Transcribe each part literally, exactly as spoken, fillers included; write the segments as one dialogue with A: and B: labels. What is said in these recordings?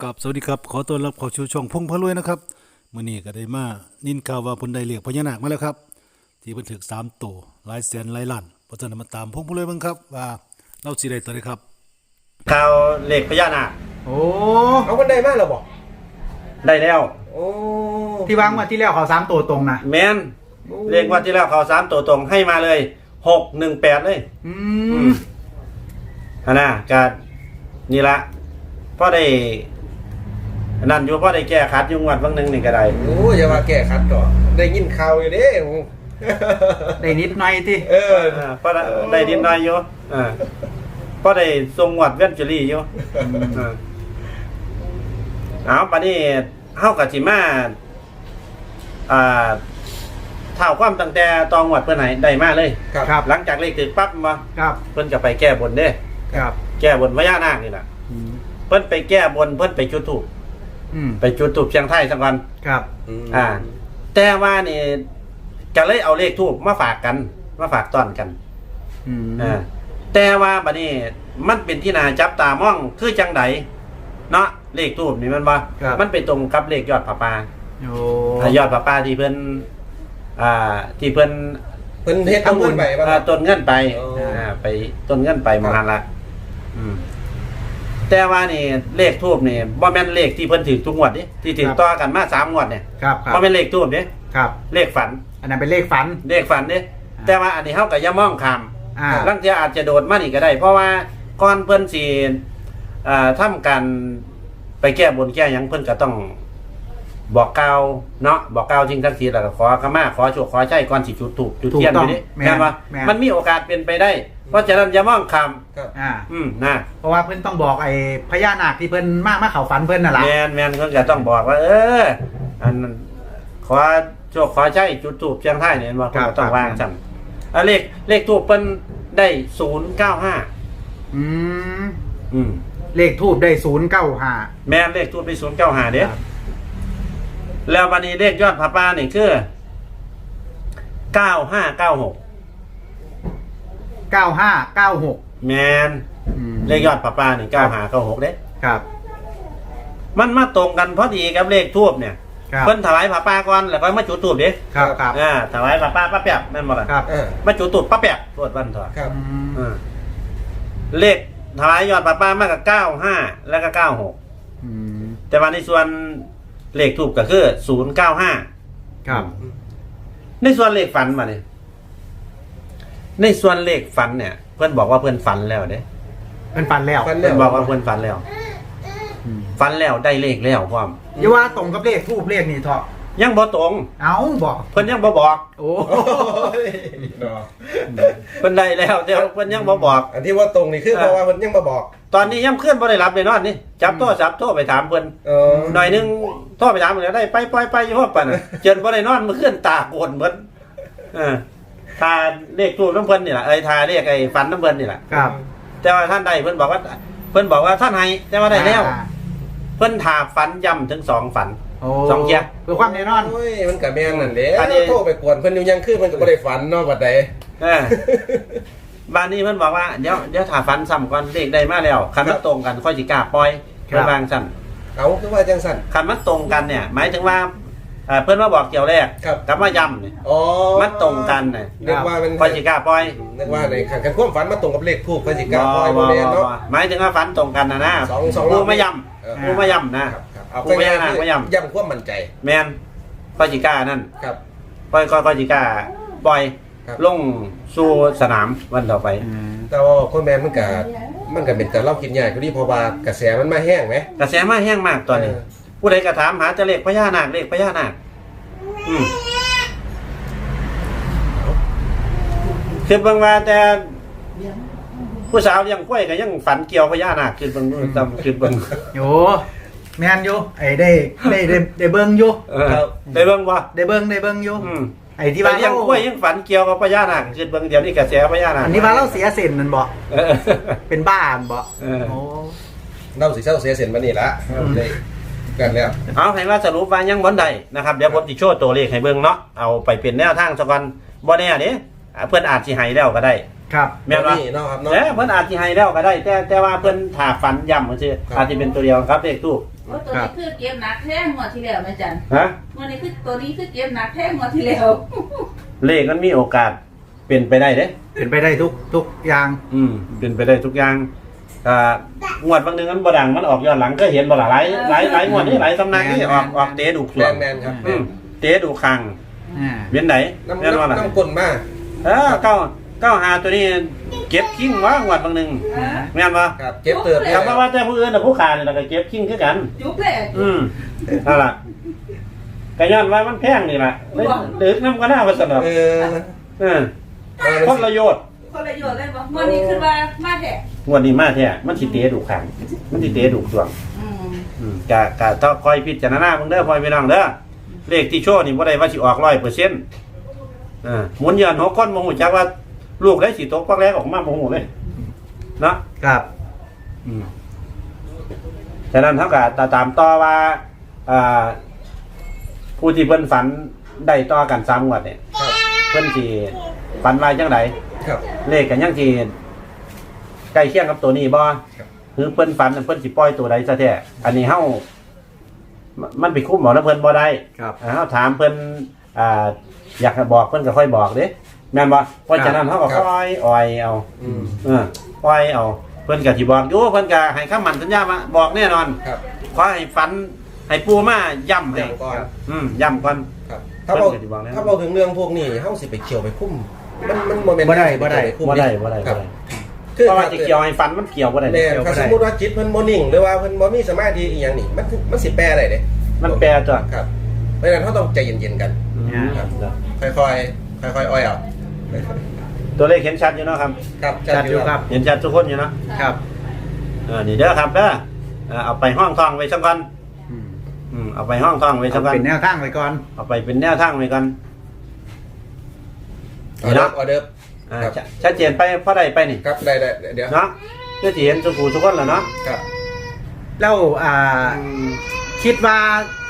A: กับสวัสดีครับขอต้อนรับเข้าสู่ช่องพงพะรวยนะครับมื้อนี้ก็ได้มานินข่าวว่าเพิ่นได้เรียกพญานาคมาแล้วครับที่เพิ่นถึกสามโตหลายแสนหลายล้านเพราะฉะนั้นมาตามพงพะรวยเบิ่งครับว่าเราสิได้ตัวใดครับ
B: ข่าวเลขพญานาค
C: โอ้
D: เอาคนใดมาแล้วบอก
B: ได้แล้ว
D: โอ้
C: ที่วางมาที่แล้วเขาสามตัวตรงนะ
B: แมนเลขว่าที่แล้วเขาสามตัวตรงให้มาเลยหกหนึ่งแปดเลย
C: อืม
B: ฮะนะกานี่ละพอได้นั่นอยู่พอได้แก้ขัดอยู่งวดบางหนึ่งนี่ก็ได้
D: โอ้อย่ามาแก้ขัดก่อนได้ยินข่าวอยู่เด้
C: ได้นิดหน่อยที่
D: เออ
B: พอได้ดินน้อยอยู่อ่าพอได้ทรงงวดเว้นจุลีอยู่อ่าเอาปานนี้เฮากับสิมาอ่าเท่าความตั้งแต่ตองงวดเพิ่นไหนได้มาเลย
C: ครับ
B: หลังจากเลขถึงปั๊บมา
C: ครับ
B: เพิ่นก็ไปแก้บนเด้
C: ครับ
B: แก้บนพญานาคนี่ล่ะเพิ่นไปแก้บนเพิ่นไปจุดธูปไปจุดธูปเชียงไทยสักวัน
C: ครับ
B: อ่าแต่ว่านี่ก็เลยเอาเลขธูปมาฝากกันมาฝากต้อนกันอ่าแต่ว่าบัดนี้มันเป็นที่น่าจับตามองคือจังไดเนาะเลขธูปนี่มันว่ามันไปตรงกับเลขยอดผาป่า
C: โอ้
B: ยอดผาป่าที่เพิ่นอ่าที่เพิ่น
D: เพิ่นเฮ็ดต้นเงินไป
B: ป่ะต้นเงินไปอ่าไปต้นเงินไปมาหั่นล่ะอืมแต่ว่านี่เลขทูบนี่บ่แม่นเลขที่เพิ่นถือทุกงวดนี่ที่ถือต่อกันมาสามงวดเนี่ย
C: ครับ
B: บ่แม่นเลขทูบเด้
C: ครับ
B: เลขฝัน
C: อันนั้นเป็นเลขฝัน
B: เลขฝันเด้แต่ว่าอันนี้เฮาก็อย่ามองข้าม
C: อ่า
B: บางทีอาจจะโดดมานี่ก็ได้เพราะว่าก่อนเพิ่นสิอ่าทำการไปแก้บนแก้หยังเพิ่นก็ต้องบอกกล่าวเนาะบอกกล่าวจริงทั้งทีแล้วก็ขอขมาขอโชคขอใช้ก่อนสิจุดธูปจุดเทียนอยู่นี่แม่นบ่มันมีโอกาสเป็นไปได้เพราะฉะนั้นอย่ามองข้าม
D: ครับ
C: อ่า
B: อืมนะ
C: เพราะว่าเพิ่นต้องบอกไอ้พญานาคที่เพิ่นมามาเข้าฝันเพิ่นน่ะล่ะ
B: แม่นแม่นเพิ่นก็ต้องบอกว่าเอออันขอโชคขอใช้จุดธูปเชียงไทยนี่บ่เพิ่นก็ต้องวางซั่นอ่ะเลขเลขธูปเพิ่นได้ศูนย์เก้าห้า
C: อืม
B: อืม
C: เลขทูบได้ศูนย์เก้าห้า
B: แม่นเลขธูปได้ศูนย์เก้าห้าเด้แล้ววันนี้เลขยอดผาป่านี่คือเก้าห้าเก้าหก
C: เก้าห้าเก้าหก
B: แมนเลขยอดผาป่านี่เก้าห้าเก้าหกเด้
C: ครับ
B: มันมาตรงกันพอดีกับเลขทูบเนี่ยเพิ่นถวายผาป่าก่อนแล้วก็มาจุดธูปเด้
C: ครับครับ
B: อ่าถวายผาป่าป้าแป๊บแม่นบ่ล่ะ
C: ครับ
B: มาจุดธูปป้าแป๊บโทษวันเถอะ
D: ครับ
B: อ่าเลขถวายยอดผาป่ามาก็เก้าห้าแล้วก็เก้าหก
C: อืม
B: แต่ว่าในส่วนเลขทูบก็คือศูนย์เก้าห้า
C: ครับ
B: ในส่วนเลขฝันมาเนี่ยในส่วนเลขฝันเนี่ยเพื่อนบอกว่าเพื่อนฝันแล้วเด้
C: เพื่อนฝันแล้ว
B: เพื่อนบอกว่าเพื่อนฝันแล้วฝันแล้วได้เลขแล้วพร้อม
C: อย่าว่าตรงกับเลขทูบเลขนี่เถอะ
B: ยังบ่ตรง
C: เอ้าบอก
B: เพื่อนยังบ่บอก
C: โอ้
B: เพื่อนได้แล้วแต่เพื่อนยังบ่บอก
D: อันที่ว่าตรงนี่คือเพราะว่าเพิ่นยังมาบอก
B: ตอนนี้ยังเคลื่อนบ่ได้รับเลยนอนนี่จับโทรศัพท์โทรไปถามเพิ่นหน่อยนึงโทรไปถามเพิ่นได้ไปปล่อยไปอยู่ฮอดปานน่ะเจนบ่ได้นอนมื้อคืนตาโกนเพิ่นเออทาเลขทูบน้ำเพิ่นนี่ล่ะเอ้ยทาเลขไอ้ฝันน้ำเพิ่นนี่ล่ะ
C: ครับ
B: แต่ว่าท่านได้เพิ่นบอกว่าเพิ่นบอกว่าท่านให้แต่ว่าได้แล้วเพิ่นถาฝันย้ำถึงสองฝันสองเที่ย
C: เพื่อความแน่นอน
D: โอ้ยมันก็แม่นนั่นแหละโทรไปกวนเพิ่นอยู่ยังคืนเพิ่นก็บ่ได้ฝันเนาะบัดใด
B: เออบ้านนี้เพิ่นบอกว่าเดี๋ยวเดี๋ยวถ้าฝันซ้ำก่อนเลขได้มาแล้วคันมันตรงกันค่อยสิกล้าปล่อยเพิ่นวางซั่น
D: เอาคือว่าจังซั่น
B: คันมันตรงกันเนี่ยหมายถึงว่าเพิ่นมาบอกเกี่ยวแรกกับมาย้ำนี่
D: อ๋อ
B: มันตรงกันน่ะ
D: นึกว่ามัน
B: ค่อยสิกล้าปล่อย
D: นึกว่าในคันคันความฝันมันตรงกับเลขทูปค่อยสิกล้าปล่อยบ่แม่นเนาะ
B: หมายถึงว่าฝันตรงกันน่ะนะผู้มาย้ำผู้มาย้ำนะ
D: ผู้มาย้ำมาย้ำย้ำความมั่นใจ
B: แม่นค่อยสิกล้านั่น
D: ครับ
B: ค่อยค่อยสิกล้าปล่อยลงสู่สนามวันต่อไป
D: แต่ว่าคนแมนมันก็มันก็เป็นแต่เล่ากินใหญ่พอดีเพราะว่ากระแสมันมาแห้งไหม
B: กระแสมาแห้งมากตอนนี้ผู้ใดก็ถามหาจะเลขพญานาคเลขพญานาคอืมคือเบิ่งว่าแต่ผู้สาวยังกล้วยก็ยังฝันเกี่ยวพญานาคคือเบิ่งจำคือเบิ่ง
C: โยแม่นอยู่ไอ้ได้ได้ได้ได้เบิ่งอยู่
B: ได้เบิ่งบ่
C: ได้เบิ่งได้เบิ่งอยู่ไอ้ที่
B: ว่ายังกล้วยยังฝันเกี่ยวกับพญานาคคือเบิ่งเดี๋ยวนี้กระแสพญานาค
C: อันนี้ว่าเราเสียเส้นนั่นบ่เป็นบ้านบ่โอ้
D: เราสิเศร้าเสียเส้นมานี่ละเลยกันแล้ว
B: เอาให้ว่าสรุปว่ายังบ่ได้นะครับเดี๋ยวผมสิโชว์ตัวเลขให้เบิ่งเนาะเอาไปเป็นแนวทางซะก่อนบ่แน่เด้เพิ่นอาจสิให้แล้วก็ได้
C: ครับ
B: แม่นบ่
D: เนาะครับเนาะ
B: เพิ่นอาจสิให้แล้วก็ได้แต่แต่ว่าเพิ่นถ้าฝันย้ำซื่ออาจสิเป็นตัวเดียวครับเลขทูป
E: โอ้ตัวนี้คือเก็บหนักแท้งวดที่แล้วแม่จัน
B: ฮะ
E: งวดนี้คือตัวนี้คือเก็บหนักแท้งวดที่แล้ว
B: เลขมันมีโอกาสเป็นไปได้เด้
C: เป็นไปได้ทุกทุกอย่าง
B: อืมเป็นไปได้ทุกอย่างอ่างวดบางหนึงมันบ่ดังมันออกย้อนหลังก็เห็นบ่ล่ะหลายหลายหลายงวดนี่หลายสำนักนี่ออกออกเตะดูก
D: แม
B: ส่วน
D: นแมนครับแม
B: อื
D: น
B: มเตะดูคัง
C: อ่า
B: เวียนไหน
D: น้ำ
B: แม่นว่าล่ะ
D: น้ำน้ำกลนมาก
B: เออเก้าเก้าหาตัวนี้เก็บคิงว่างวดบางหนึงแม่นบ่
D: ครับเจ็บเติบเลย
B: คำว่าแต่ผู้อื่นน่ะผู้ขานี่ล่ะก็เก็บคิงคือกัน
E: จุ๊บเลย
B: อืมนั่นล่ะก็ย้อนว่ามันแพงนี่ล่ะเลยดึกน้ำก็น่าว่าสนอก
D: เออ
B: เออคนละโยชน์
E: คนละโยชน์เลยบ่งวดนี้คือว่ามาแท้
B: งวดนี้มาแท้มันสิเตะดูคังมันสิเตะดูดวง
E: อืม
B: อืมกะกะต้องคอยพิจารณาเบิ่งเด้อพ่อพี่น้องเด้อเลขที่โชว์นี่บ่ได้ว่าสิออก ร้อยเปอร์เซ็นต์ อ่าหมุนย้อนหกคนบ่ฮู้จักว่าลูกได้สิตกปักแรกออกมาบ่ฮู้เลยเนาะ
C: ครับ
B: อืมฉะนั้นเท่ากับตามต่อว่าอ่าผู้ที่เพิ่นฝันได้ต่อกันสามงวดเนี่ย
D: ครับ
B: เพิ่นสิฝันว่าจังได
D: ครับ
B: เลขกันยังสิใกล้เคียงกับตัวนี้บ่
D: ครับ
B: หรือเพิ่นฝันเพิ่นสิปล่อยตัวใดซะแท้อันนี้เฮามันไปคุ้มหมอแล้วเพิ่นบ่ได้
C: ครับ
B: อ่าเฮาถามเพิ่นอ่าอยากให้บอกเพิ่นก็ค่อยบอกเด้แม่นบ่เพราะฉะนั้นเฮาก็ค่อยอ่อยเอา
D: อืม
B: เอออ่อยเอาเพิ่นก็สิบอกอยู่เพิ่นก็ให้คำมั่นสัญญามาบอกแน่นอน
D: ครับ
B: ขอให้ฝันให้ปูมาย้ำให้
D: ย้ำก่อน
B: อืมย้ำก่อน
D: ครับถ้าเรา
B: เพิ่นก็สิบอกแล้ว
D: ถ้าเราถึงเรื่องพวกนี้เฮาสิไปเกี่ยวไปคุ้มมันมันโมเมนต์
C: บ่ได้บ่ได้
D: คุ้ม
B: บ่ได้บ่ได้
D: ครั
B: บ่
D: บ
B: ได้
D: คือ
B: เพราะว่าจะเกี่ยวให้ฝันมันเกี่ยวบ่ได้
D: แม่
B: เด้
D: ถ้าสมมุติว่าจิตเพิ่นบ่นิ่งหรือว่าเพิ่นบ่มีสมาธิอีหยังนี่มันมันสิแปลได้เด้
B: มันแปลจ้ะ
D: ครับเพราะฉะนั้นเฮาต้องใจเย็นๆกัน
B: อืม
C: ครับ
D: ค่อยๆค่อยๆอ้อยเอา
B: ตัวเลขเห็นชัดอยู่เนาะครับ
D: ครับ
C: จัดอยู่ครับ
B: เห็นชัดทุกคนอยู่เนาะ
C: ครับ
B: เออนี่เด้อครับเด้อเออเอาไปห้องทองไว้สักก่อน
C: อืม
B: อืมเอาไปห้องทองไว้สั
C: เอา
B: กก่อน
C: เป็นแนวทางไว้ก่อน
B: เอาไปเป็นแนวทางไว้ก่อน
D: ออเดิร์ฟออเดิร์ฟ
B: อ่า
D: ครับ
B: ชะชัดเจนไปเพราะใดไปนี่
D: ครับได้ได้เดี๋ยว
B: เนาะเพื่อสิเห็นสุกูทุกคนแล้วเนาะ
D: ครับ
C: แล้วอ่า คิดว่า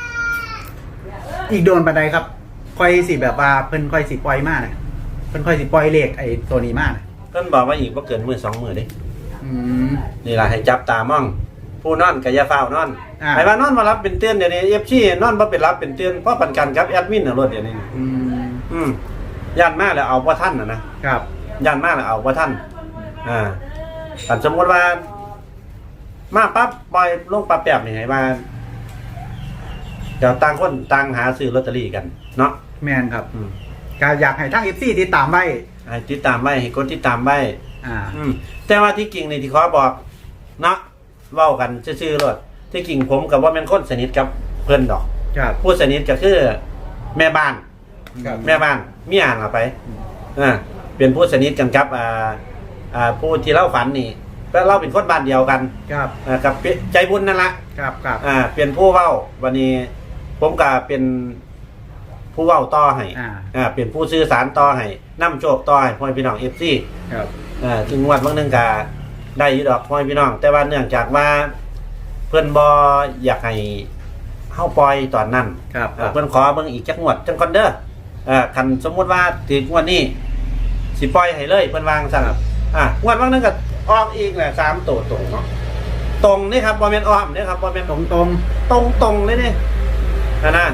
C: อีกโดนปันใดครับ ค่อยสิแบบว่าเพิ่นค่อยสิปล่อยมาน่ะเพิ่นค่อยสิปล่อยเลขไอ้ตัวนี้มาน่ะ
B: เพิ่นบอกว่าอีกบ่เกินมื้อสองมื้อเด้
C: อืม
B: นี่ล่ะให้จับตามอง ผู้นอนก็อย่าเฝ้านอน
C: อ่า
B: ไอ้ว่านอนมารับเป็นเตือนเดี๋ยวนี้ เอฟ ซี นอนบ่เป็นรับเป็นเตือนเพราะปันกันกับแอดมินน่ะรถเดี๋ยวนี้
C: อืม
B: อืมย่านมาแล้วเอาบ่ทันน่ะนะครับ ย่านมาแล้วเอาบ่ทันอ่าแต่สมมุติว่า มาปั๊บปล่อยลงปั๊บแป๊บนี่ให้ว่าเดี๋ยวต่างคนต่างหาซื้อลอตเตอรี่กัน เนาะ
C: แม่นครับ
B: อืม
C: ก็อยากให้ทั้ง เอฟ ซี ติดตามไว้
B: ให้ติดตามไว้ให้กดติดตามไว้
C: อ่า
B: อืมแต่ว่าที่จริงนี่ที่ขอบอกเนาะเว้ากันซื่อๆรถที่จริงผมกับว่าเป็นคนสนิทกับเพื่อนดอก
C: ครับ
B: ผู้สนิทก็คือแม่บ้าน
D: ครับ
B: แม่บ้านมีอ่านเอาไปอ่าเป็นผู้สนิทกันครับอ่าอ่าผู้ที่เล่าฝันนี่แล้วเราเป็นคนบ้านเดียวกัน
C: ครับ
B: อ่ากับใจบุญนั่นละ
C: ครับครับ
B: อ่าเป็นผู้เว้าวันนี้ ผมก็เป็นผู้เว้าต่อให้
C: อ่า
B: อ่าเป็นผู้สื่อสารต่อให้นำโชคต่อให้พ่อพี่น้องเอฟซี
C: ครับ
B: อ่าถึงงวดบางนึงก็ได้อยู่ดอกพ่อพี่น้อง แต่ว่าเนื่องจากว่าเพื่อนบออยากให้เฮาปล่อยตอนนั้น
C: ครับ
B: อ่าเพื่อนขอเบิ่งอีกจักงวดจังก่อนเด้ออ่าคันสมมุติว่าถึงงวดนี้สิปล่อยให้เลยเพิ่นวางซั่นอ่างวดบางนึงก็ออกอีกแหละสามตัวตรงเนาะตรงนี่ครับบ่แม่นอ้อมนี่ครับบ่แม่น
C: ตรงตรง
B: ตรงตรงๆเลยนี่นะนะ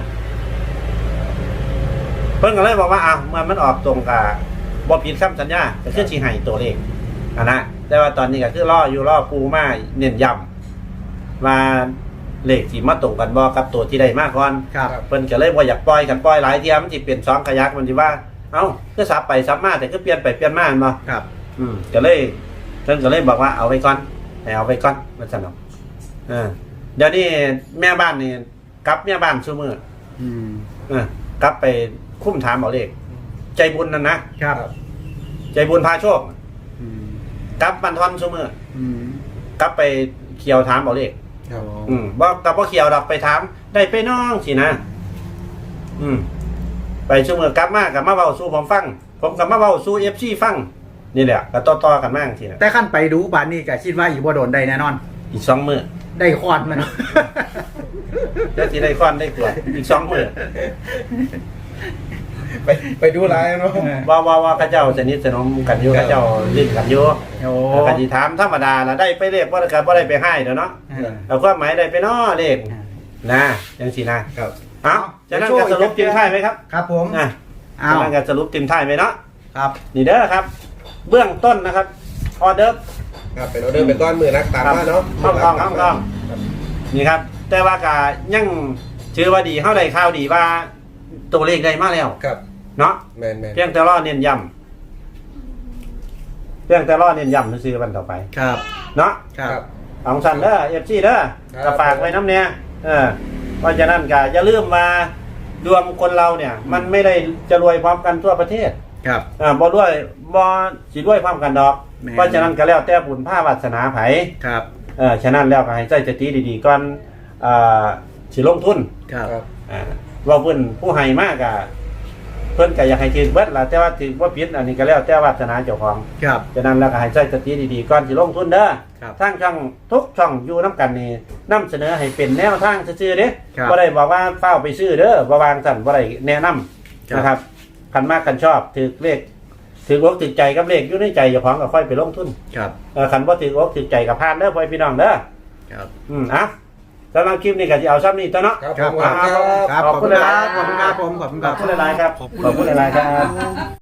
B: เพิ่นก็เลยบอกว่าอ่ะเมื่อมันออกตรงกับบ่ผิดคำสัญญาก็คือสิให้ตัวเลขอ่ะนะแต่ว่าตอนนี้ก็คือรออยู่รอปูมาเน้นย้ำว่าเลขที่มาตรงกันบ่กับตัวที่ได้มาก่อน
C: ๆครับ
B: เพิ่นก็เลยบ่อยากปล่อยกันปล่อยหลายเที่ยมันสิเป็นสองขยักมันสิว่าเอ้าคือสับไปสับมาแต่คือเปลี่ยนไปเปลี่ยนมาแม่นบ่
C: ครับ
B: อืมก็เลยเพิ่นก็เลยบอกว่าเอาไว้ก่อนให้เอาไว้ก่อนว่าซั่นเนาะเออเดี๋ยวนี้แม่บ้านนี่กลับแม่บ้านซุมื้อ
C: อืม
B: เออกลับไปคุ้มถามเอาเลขใจบุญนั่นนะครับ ใจบุญพาโชค
C: อืม
B: กลับบันทอนซุมื้อ
C: อืม
B: กลับไปเขียวถามเอาเลข
D: ครับ
B: อืมบ่กับบ่เขียวดอกไปถาม ได้ไปน้องสินะ อืม ไปซุมื้อกลับมากับมาเว้าสู่ผมฟัง ผมก็มาเว้าสู่ เอฟ ซี ฟังนี่แหละก็ต่อๆกันมาจังซี่นะ
C: แต่ขั้นไปดูบานนี้ก็คิดว่าอีกบ่โดนได้แน่นอน
B: อีกสองมื้อ
C: ได้คอนมันเนาะ
B: แล้วสิได้ควันได้กวดอีกสองมื้อ
D: ไปไปดูไลน์เนาะ
B: ว่าว่าว่าเขาเจ้าสนิทสนมกันอยู่
D: ครับ
B: เขาเจ้าลิ้นกันอยู่
C: โอ้
B: ก็สิถามธรรมดาล่ะได้ไปเลขบ่ได้ก็บ่ได้ไปให้เด้อเนาะ
C: อ่า
B: เอาความหมายได้ไปเนาะเลขนะจังซี่นะครับ เอ้าจะนั่นก็สรุปทิ้งท้ายไหมครับ
C: ครับผม
B: อ่ะ
C: อ้า
B: จะ
C: ว
B: นั่นก็สรุปทิ้งท้ายไหมเนาะ
C: ครับ
B: นี่เด้อครับ เบื้องต้นนะครับออเดอร์
D: ครับเป็นออเดอร์เป็นก้อนมือนักตามมาเนาะ
B: ห้องกองห้องกองนี่ครับ แต่ว่าก็ยังชื่อว่าดีเฮาได้ข่าวดีว่าตัวเลขได้มาแล้ว
D: ครับ
B: เนาะ
D: แมนแมน
B: เพียงแต่รอเน้นย้ำเพียงแต่รอเน้นย้ำซื้อๆวันต่อไป
C: ครับ
B: เนาะ
C: ครับ
B: ของสันเด้อเอฟซีเด้อ
D: ครับ
B: ก็ฝากไว้น้ำเนี่ยเออเพราะฉะนั้นก็อย่าลืมมาดวงคนเราเนี่ย มันไม่ได้จะรวยพร้อมกันทั่วประเทศ
C: ครับ
B: อ่าบ่รวยบ่สิรวยพร้อมกันดอก
C: แม่น
B: เพราะฉะนั้นก็แล้วแต่บุญภาวาสนาไผ
C: ครับ
B: เออฉะนั้นแล้วก็ให้ใจสติดีๆก่อนอ่าสิลงทุน
C: ครับ
D: ครับ
B: อ่าว่าเพิ่นผู้ให้มากก็เพิ่นก็อยากให้ถือเบิดล่ะแต่ว่าถือบ่ผิดอันนี้ก็แล้วแต่วาสนาเจ้าของ
C: ครับ
B: ฉะนั้นแล้วก็ให้ใจสติดีๆก่อนสิลงทุนเด้อ
C: ครับ
B: ทางช่องทุกช่องอยู่น้ำกันนี่นำเสนอให้เป็นแนวทางซื่อๆเด้
C: ครับ
B: บ่ได้บอกว่าเฝ้าไปซื้อเด้อบ่วางสั่นบ่ได้แนะนำ
C: ครับ
B: นะครับคันมากคันชอบถือเลขถืออกถือใจกับเลขอยู่ในใจเจ้าของก็ค่อยไปลงทุน
C: ครับ
B: เออคันบ่ถืออกถือใจกับพานเด้อพ่อพี่น้องเด้อ
C: ครับ
B: อืมอ่ะสำหรับคลิปนี้ก็สิเอาซ้ำนี้ตัวเนาะ
D: ครับ
C: ครับ
D: ผม
C: ครับ
D: ครับ
C: ครับ
B: ขอบคุณหลายๆ
C: ขอบคุณครับผมขอบคุณ
B: ข
C: ค
B: อ
C: รั
B: บบ คุณหลายๆครับขอบคุณหลายๆครับ